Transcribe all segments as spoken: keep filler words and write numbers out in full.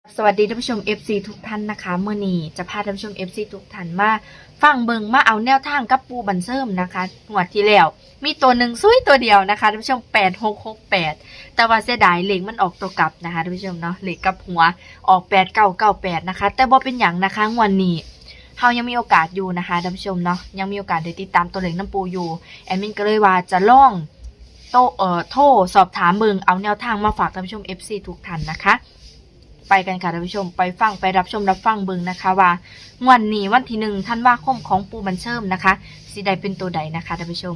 สวัสดีท่านผู้ชม เอฟ ซี ทุกท่านนะคะเมื่อนี้จะพาท่านผู้ชม เอฟ ซี ทุกท่านมาฟังเบิงมาเอาแนวทางกับปูบันเซิมนะคะงวดที่แล้วมีตัวหนึ่งซุยตัวเดียวนะคะท่านผู้ชมแปดหกหกแปดแต่ว่าเสียดายเลขมันออกตัวกลับนะคะท่านผู้ชมเนาะเลขกับหัวออกแปดเก้าเก้าแปดนะคะแต่บ่เป็นอย่างนะคะงวดนี้เฮายังมีโอกาสอยู่นะคะท่านผู้ชมเนาะยังมีโอกาสได้ติดตามตัวเลขน้ำปูอยู่แอดมินก็เลยว่าจะลองโตเอ่อโทรสอบถามเบิงเอาแนวทางมาฝากท่านผู้ชม เอฟ ซี ทุกท่านนะคะไปกันค่ะท่านผู้ชมไปฟังไปรับชมรับฟังเบิ่งนะคะว่างวดนี้วันที่หนึ่งธันวาคมของปูบันเชิมนะคะสิได้เป็นตัวใดนะคะท่านผู้ชม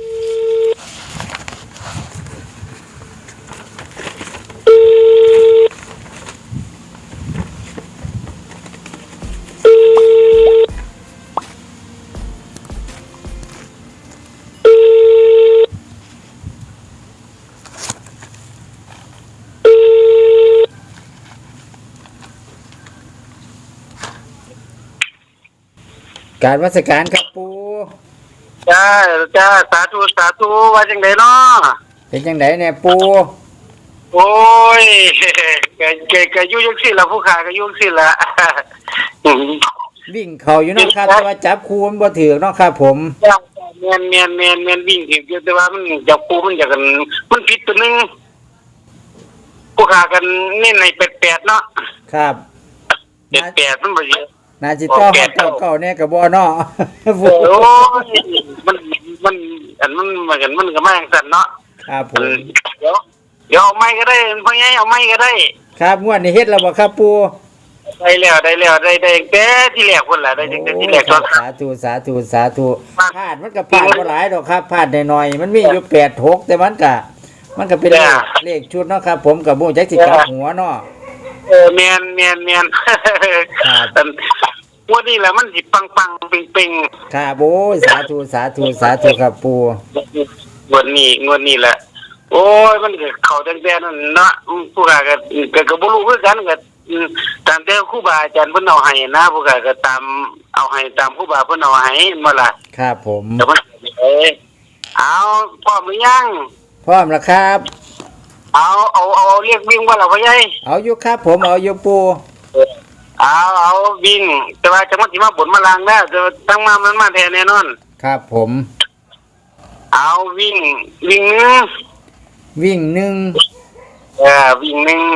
การวัสการครับปูจ้าจ้าสาธุสาธุว่าจังไดเนาะเป็นจังไดเนี่ยปูโอ้ยแกแกแกอยู่จังซี่ล่ะผู้ขาก็อยู่จังซี่ล่ะวิ่งเขาอยู่เนาะครับแต่ว่าจับคูมันบ่ถือเนาะครับผมจ้าแม่นแม่นแม่นแม่นวิ่งถึงอยู่แต่ว่ามันจับคูมันอยากกันมันผิดตัวนึงผู้ขากันเน้นในแปดๆเนาะครับแปดๆมันบ่สินาจิต้อเก่าเก่าเนี่ยกับบ่เนาะโอ้ยมันมันอันมันมันกันมันก็มาจังซั่นเนาะครับผมเดี๋ยวเดี๋ยวเอาไม้ก็ได้พ่อใหญ่เอาไม้ก็ได้ครับงวดนี้เฮ็ดแล้วบ่ครับปูได้แล้วได้แล้วได้ได้แต่ที่แรกพุ่นล่ะได้ตั้งแต่ที่แรกจนสาธุสาธุสาธุพลาดมันก็พลาดบ่หลายดอกครับพลาดน้อยๆมันมีอยู่แปด หกแต่มันก็มันก็เป็นเลขชุดเนาะครับผมก็บ่จักสิกลับหัวเนาะเออแม่นแม่นแม่นครับวันนี้แหละมันสิปังๆเป่งๆครับโอ้ยสาธุสาธุสาธุครับปู่วันนี้วันนี้แหละโอ้ยมันก็เข้าตั้งแต่นั้นเนาะผู้กาก็ก็ก็บ่รู้คือกันก็ตามแต่ครูบาอาจารย์เพิ่นเอาให้นะผู้กาก็ตามเอาให้ตามครูบาเพิ่นเอาให้มาล่ะครับผมแต่มันเอ้เอาพร้อมหรือยังพร้อมแล้วครับเอาเอาเอาเรียกวิ่งว่าล่ะพ่อใหญ่เอาอยู่ครับผมเอาอยู่ปู่เอาเอาวิ่งแต่ว่าจังหวัดที่มาบนมาลางได้จะตั้งมามันมาแทนแน่นอนครับผมเอาวิ่งวิ่งนึงวิ่งหนึ่งเออวิ่งหนึ่ง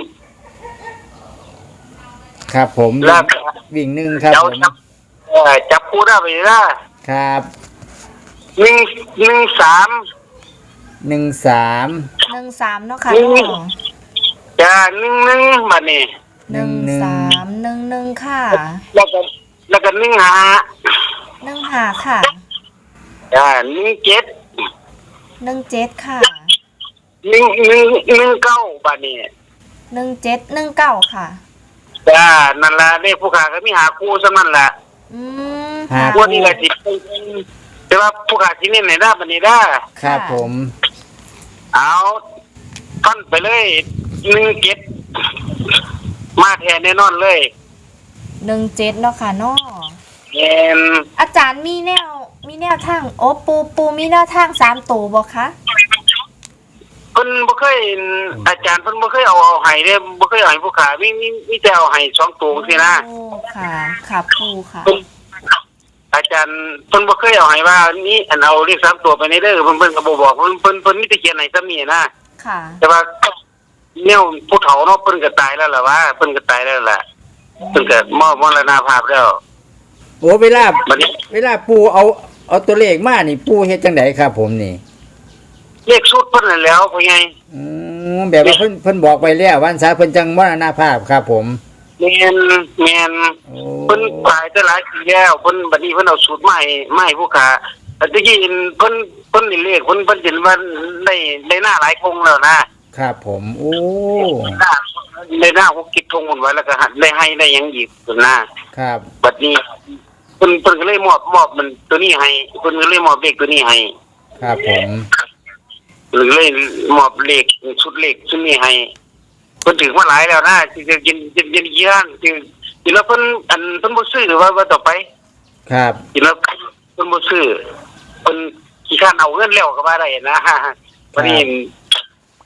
ครับผมวิ่งหนึ่งครับผมเออจับคู่ได้ไปได้ครับหนึ่งหนึ่งสามหนึ่งสามหนึ่งสามเนาะค่ะจ้าหนึ่งหนึ่งมาเนี่ยหนึ่งสามหนึ่งหนึ่งค่ะแล้วก็แล้วก็หนึ่งห้าหนึ่งห้าค่ะอ่าหนึ่งเจ็ดหนึ่งเจ็ดค่ะหนึ่งหนึ่งหนึ่งเก้าบาทนี่หนึ่งเจ็ดหนึ่งเก้าค่ะจ้านั่นละเลขผู้ขาก็มีหาคู่ซะนั่นแหละอืมหาคู่นี่แหละจิตแต่ว่าผู้ขาที่นี่ไหนได้บันนี้ได้ครับผมเอาท่านไปเลยหนึ่งเจ็ดมาแทนแน่นอนเลยหนึ่งเจ็ดเนาะค่ะเนาะเอ็นอาจารย์มีแนวมีแนวทางโอ้ปูปูมีแนวทางสามตัวบ่คะเพิ่นบ่เคยอาจารย์เพิ่นบ่เคยเอาเอาให้เด้บ่เคยเอาให้ผู้ขามีมีมีแต่เอาให้สองตัวซี่นะโอ้ค่ะค่ะปูค่ะอาจารย์เพิ่นบ่เคยเอาให้ว่านี่อันเอาเลขสามตัวไปในเด้อเพิ่นเพิ่นก็บ่บอกเพิ่นเพิ่นเพิ่นมีแต่เขียนให้ซ้ำนี่นะค่ะแต่ว่าแนวผู้เฒ่าเนาะเพิ่นก็ตายแล้วล่ะว่าเพิ่นก็ตายแล้วล่ะเพิ่นก็มอบมรณภาพแล้วโอ้เวลาเวลาปู่เอาเอาตัวเลขมานี่ปู่เฮ็ดจังได๋ครับผมนี่เลขชุดเพิ่นนั่นแล้วพ่อใหญ่อืมแบบว่าเพิ่นเพิ่นบอกไปแล้ววันซะเพิ่นจังมรณภาพครับผมแม่นแม่นเพิ่นตายแต่หลายปีแล้วเพิ่นบัดนี้เพิ่นเอาสูตรใหม่ใหม่ผู้ขาแต่ตะกี้เพิ่นเพิ่นนี่เลขเพิ่นเพิ่นเห็นว่าได้ได้หน้าหลายคงแล้วนะครับผมโอ้ได้หน้าหกกิจทงหมดไว้แล้วก็ได้ให้ได้ยังอีกตัวหน้าครับบัดนี้เพิ่นเพิ่นก็เลยมอบมอบมันตัวนี้ให้เพิ่นก็เลยมอบเลขตัวนี้ให้ครับผมหรือเลยมอบเลขชุดเลขชุดนี้ให้เพิ่นถึงมาหลายแล้วนะที่จะกินกินกินยี่ห้านคือกินแล้วเพิ่นอันเพิ่นบ่ซื้อหรือว่าว่าต่อไปครับกินแล้วเพิ่นบ่ซื้อเพิ่นขี้ข้านเอาเงินแล้วก็ว่าได้นะวันนี้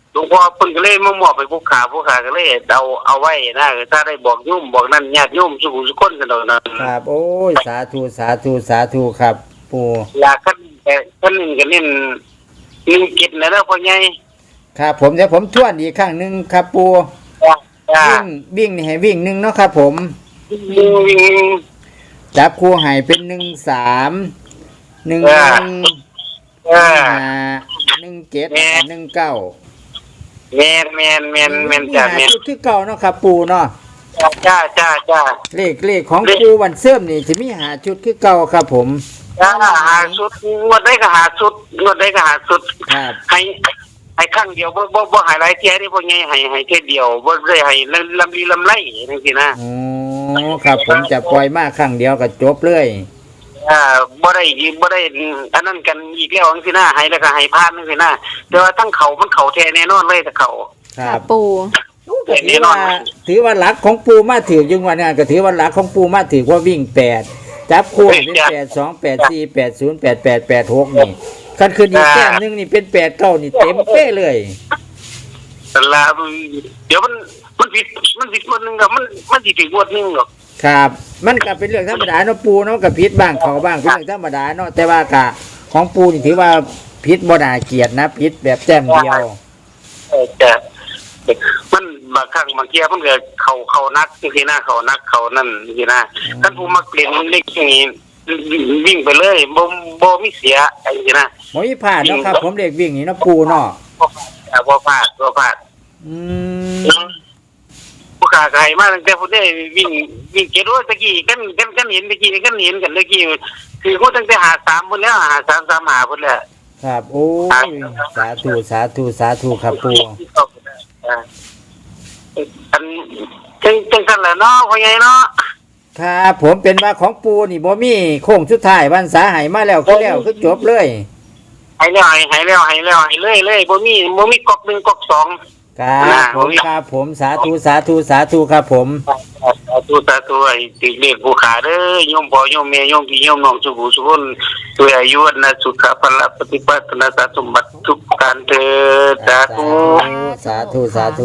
หลวงพ่อเพิ่นก็เลยมามอบให้ผู้ขาผู้ขาก็เลยเอาเอาไว้นะถ้าได้บอกโยมบอกนั่นญาติโยมสุขุสุขคนกันดอกนะครับโอ้ยสาธุสาธุสาธุครับปู่อยากขั้นแต่ขั้นหนึงก็เน้นหนึ่งกิจนะเด้อพ่อใหญ่ครับผมเดี๋ยวผมทวนอีกครั้งหนึงครับปู่จ้าจ้าวิ่งวิ่งนี่ให้วิ่งหนึ่งเนาะครับผมวิ่งวิ่งจับคู่ให้เป็นหนึ่งสามหนึ่งเอหอนึ่งเออห้าหนึ่งเจ็ดแม่หนึ่งเก้าแมนแมนแมนแมนมีจ้าหาแมนจุดที่เก่าเนาะครับปู่เนาะจ้าจ้าจ้าเลขเลขของปู่วันเสื่อมนี่จะมีหาจุดคือเก่าครับผมจ้าหาสุดงวดได้ก็หาสุดงวดได้ก็หาสุดครับให้ให้ครั้งเดียวบ่บ่บ่หายหลายเที่ยได้พ่อใหญ่ให้ให้เที่ยเดียวบ่ได้ให้ลำลีลำไรจังซี่นะโอ้ครับผมจะปล่อยมากครั้งเดียวก็จบเลยอ่าบ่ได้บ่ได้อันนั้นกันอีกแล้วจังซี่นะให้แล้วก็ให้พลาดจังซี่นะแต่ว่าทั้งเขามันเขาแท้แน่นอนเลยถ้าเขาคค่ะรับปูก็ถือว่าถือว่าหลักของปูมาถือยังวันนี้ก็ถือว่าหลักของปูมาถือว่าวิ่งแปดจับคู่เป็นแปดสองแปดสี่แปดศูนย์แปดแปดแปดหกนี่คันคืนอีกแต้มหนึงนี่เป็นแปดเก้านี่เต็มเป้เลยแต่ละเดี๋ยวมันมันผิดมันผิดงวดหนึงก็มันมันสิถึงงวดหนึงหรอกครับ มันก็เป็นเรื่องธรรมดาเนาะปูเนาะกับพิษบ้างเขาบ้างเป็นเรื่องธรรมดาเนาะแต่ว่ากะของปูนี่ถือว่าพิษบ่น่าเกลียดนะพิษแบบแต้มเดียวเออแต่มันบางครั้งบางเที่ยมันก็เขาเขานักจังซี่นะเขานักเขานั่นจังซี่นะท่านผู้มักเล่นเล็กอย่างนี้วิ่งไปเลยบ่บ่มีเสียจังซี่นะหมอมีผ่านเนาะครับ ผมเด็กวิ่งนี่เนาะปูเนาะบ่พลาดบ่พลาดอืมผู้ขาไกลมาตั้งแต่พุ่นได้วิ่งวิ่งเจ็ดร้อยตะกี้กันกันกันเห็นตะกี้กันเห็นกันตะกี้คือพูดตั้งแต่หาสามพุ่นแล้วหาสามสามหาพุ่นแล้วครับโอ้ยสาธุสาธุสาธุครับปูอันจังจังซั่นแหละเนาะพ่อใหญ่เนาะครับผมเป็นว่าของปูนี่บ่มีโค้งสุดท้ายวันสาใหายมาแล้วคือแล้วคือจบเลยให้แล้วให้ให้แล้วให้แล้วให้เลยเลยบ่มีบ่มีก๊อกหนึ่งก๊อกสองครับผมครับผมสาธุสาธุสาธุครับผมสาธุสาธุไอ้ติเลขผู้ขาเด้อโยมพ่อโยมแม่โยมพี่โยมน้องสุขุสุขคนด้วยอายุวันนะสุขภาพปฏิปัตินาสสมบัติทุกการเถิดสาธุสาธุสาธุ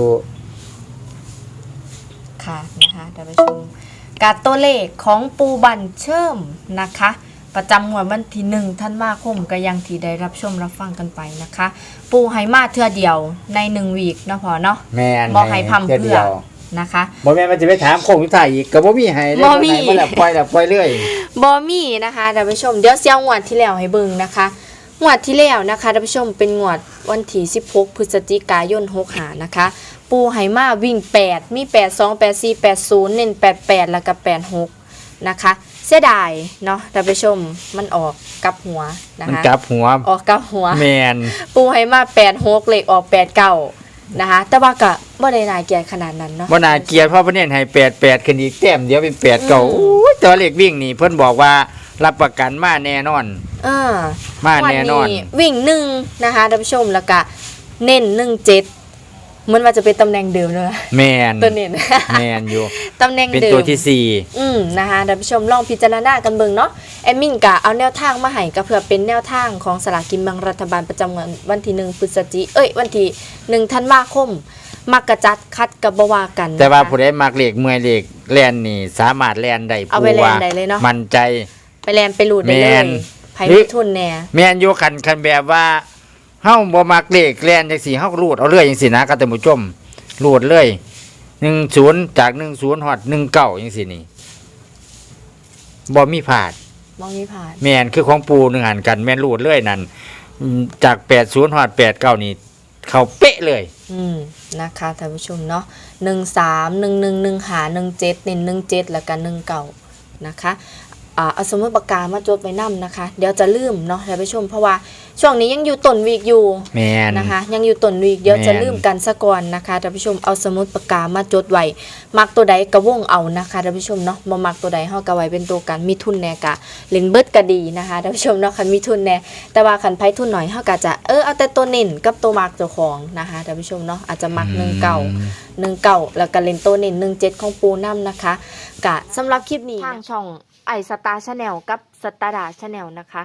ค่ะนะคะท่านผู้ชมการตัวเลขของปูบันเชิมนะคะ ประจำงวดวันที่หนึ่งธันวาคมก็ยังที่ได้รับชมรับฟังกันไปนะคะ ปูให้มาเทื่อเดียวในหนึ่งวีคเนาะพอเนาะแม่นบ่ให้พร่ำเทื่เพื่ดีอยวนะคะบ่แม่นมันจะไปถามโค้งสุดท้ายอีกก็บ่มีให้เด้บ่มีให้มาแล้วปล่อยแล้วปล่อยเรื่อยบอมี่นะคะท่านผู้ชมเดี๋ยวเสียงงวดที่แล้วให้เบิ่งนะคะงวดที่แล้วนะคะท่านผู้ชมเป็นงวดวันที่สิบหกพฤศจิกายนหกห้านะคะ ปูไหมาวิ่งแปดมีแปด สอง แปด สี่ แปด ศูนย์เน้นแปด แปดแล้วก็แปด หกนะคะเสียดายเนาะท่านผู้ชมมันออกกลับหัวนะมันคะกลับหัวออกกลับหัวแม่นปูไหมาแปด หกเลขออกแปด เก้านะคะแต่ว่าก็บ่ได้น่าเกลียดขนาดนั้นเนาะบ่น่าเกลียดเพราะเพิ่นเน้นให้แปด แปดขึ้นอีกแต้มเดียวเป็นแปดเก้าอืมโอ้ยตัวเลขวิ่งนี่เพิ่นบอกว่ารับประกันมาแน่นอนเออมาแน่นอนวัวิ่งหนึ่งนะคะท่านผู้ชมแล้วก็เน้นหนึ่งเจ็ดเหมือนว่าจะเป็นตำแหน่งเดิมเลยแม่นตัวเน้นแม่นอยู่ตำแหน่งเป็นเดิมตัวที่สี่อืมนะคะท่านผู้ชมลองพิจารณากันเบิ่งเนาะแอดมินกะเอาแนวทางมาให้ก็เพื่อเป็นแนวทางของสลากกินแบ่งรัฐบาลประจำวันวันที่หนึ่งพฤศจิเอ้ยวันที่หนึ่งธันวาคมมักกะจัดคัดกับบวากันนะคะแต่ว่าผู้ใดมักเลขเมื่อยเลขแล่นนี่สามารถแล่นได้เอาไปแล่นได้เลยเนาะมั่นใจไปแลนไปหลุดได้เลแม่ยนไผมีทุนแน่แม่นอยู่คันคันแบบว่าเฮาบ่มักเลขแล่นจังซี่เฮาก็รูดเอาเรื่อยจังซี่นะครับท่านผู้ชมรูดเลยหนึ่งศูนย์จากหนึ่งศูนย์ฮอดหนึ่งเก้าจังซี่นี่บ่มีพลาดมองมีผ่านแม่นคือของปูหนึงหันกันแม่นรูดเลยนั่นอืมจากแปดศูนย์ฮอดแปดเก้านี่เข้าเป๊ะเลยอืมนะคะท่านผู้ชมเนาะหนึ่งสามหนึ่งหนึ่งหนึ่งหาหนึ่งเจ็ดเน้นหนึ่งเจ็ดแล้วก็หนึ่งเก่านะคะอ่าเอาสมุดปากกามาจดไว้นำนะคะ เดี๋ยวจะลืมเนาะท่านผู้ชมเพราะว่าช่วงนี้ยังอยู่ต้นวีกอยู่แม่นนะคะ ยังอยู่ต้นวีกเดี๋ยวแม่นจะลืมกันซะก่อนนะคะท่านผู้ชมเอาสมุดปากกามาจดไว้มักตัวใดกระวงเอานะคะท่านผู้ชมเนาะบ่มักตัวใดเฮาก็ไว้เป็นตัวกันมีทุนแน่กะเล่นเบิดก็ดีนะคะท่านผู้ชมเนาะคันมีทุนแน่แต่ว่าคันไผทุนหน่อยเฮาก็จะเออเอาแต่ตัวเน้นกับตัวมักเจ้าของนะคะท่านผู้ชมเนาะอาจจะมักหนึ่งเก่า หนึ่งเก่าแล้วก็เลนโตเน้นหนึ่งเจ็ดของปูน้ำนะคะกะสำหรับคลิปนี้ทางช่องไอสตาร์ชาแนลกับสตาร์ดาชาแนลนะคะ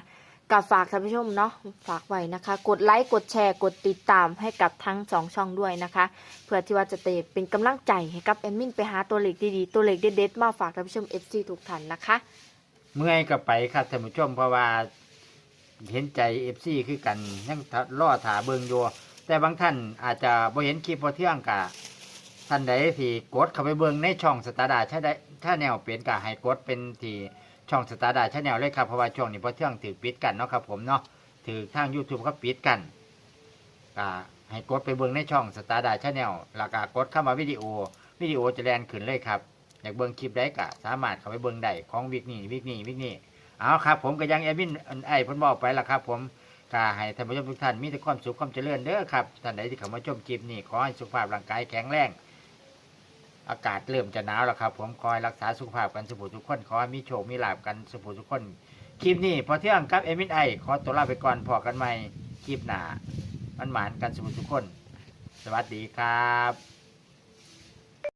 กับฝากท่านผู้ชมเนาะฝากไว้นะคะ กดไลค์กดแชร์กดติดตามให้กับทั้งสองช่องด้วยนะคะเพื่อที่ว่าจะเป็นกำลังใจให้กับแอดมินไปหาตัวเลขดีๆตัวเลขเด็ดๆมาฝากท่านผู้ชม เอฟ ซี ทุกท่านนะคะเมื่อยก็ไปครับท่านผู้ชมเพราะว่าเห็นใจ เอฟ ซี คือกันยังรอถาเบิงอยู่แต่บางท่านอาจจะบ่เห็นคลิปพอเที่ยงกะท่านใดที่กดเข้าไปเบิงในช่องสตาร์ดาชาได้ถ้าแนวเปลี่ยนกะให้กดเป็นที่ช่องสตาร์ดาชาแนลเลยครับเพราะว่าช่วงนี้พอเที่ยงถือปิดกันเนาะครับผมเนาะถือทาง YouTube เขาปิดกันกะให้กดไปเบิงในช่องสตาร์ดาชาแนลแล้วก็กดเข้ามาวิดีโอวิดีโอจะแลนขึ้นเลยครับอยากเบิงคลิปได้กะสามารถเข้าไปเบิงได้ของวิกนี้วิกนี้วิกนี้เอาครับผมก็ยังแอดมินไอ้เพิ่นบอกไปละครับผมก็ให้ท่านผู้ชมทุกท่านมีแต่ความสุขความเจริญเด้อครับท่านใดที่เข้ามาชมคลิปนี้ขอให้สุขภาพร่างกายแข็งแรงอากาศเริ่มจะหนาวแล้วครับผมคอยรักษาสุขภาพกันสุขทุกคนขอให้มีโชคมีลาภกันสุขทุกคนคลิปนี้พอเที่ยงกับแอดมินไอขอตัวลาไปก่อนพอกันใหม่คลิปหน้ามันหมานกันสุขทุกคนสวัสดีครับ